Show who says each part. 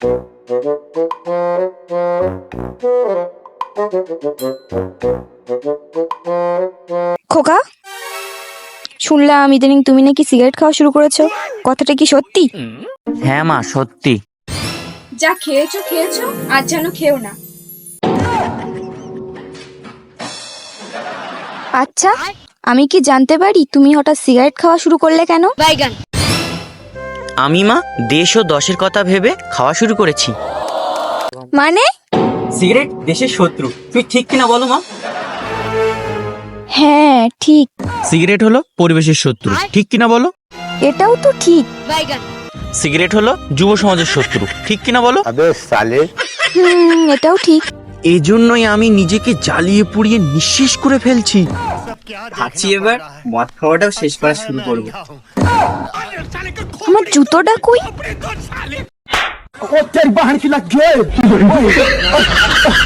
Speaker 1: খোকা, শুনলাম ইদানিং তুমি নাকি সিগারেট খাওয়া শুরু করেছো, কথাটা কি সত্যি?
Speaker 2: হ্যাঁ মা, সত্যি।
Speaker 1: যা খেয়েছো খেয়েছো, আর যেন খেও না। আচ্ছা, আমি কি জানতে পারি তুমি হঠাৎ সিগারেট খাওয়া শুরু করলে কেন?
Speaker 2: আমি মা দেশ ও দশের কথা ভেবে খাওয়া শুরু করেছি।
Speaker 1: মানে?
Speaker 2: সিগারেট দেশের শত্রু, তুই ঠিক কিনা বলো মা?
Speaker 1: হ্যাঁ ঠিক।
Speaker 3: সিগারেট হলো পরিবেশের শত্রু, ঠিক কিনা বলো?
Speaker 1: এটাও তো ঠিক।
Speaker 3: সিগারেট হলো যুব সমাজের শত্রু, ঠিক কিনা বলো?
Speaker 1: এটাও ঠিক।
Speaker 3: এই জন্যই আমি নিজেকে জ্বালিয়ে পুড়িয়ে নিঃশেষ করে ফেলছি।
Speaker 2: ভাবছি এবার মদ খাওয়াটাও শেষ করা শুরু করবো।
Speaker 1: আমার জুতোটা কই?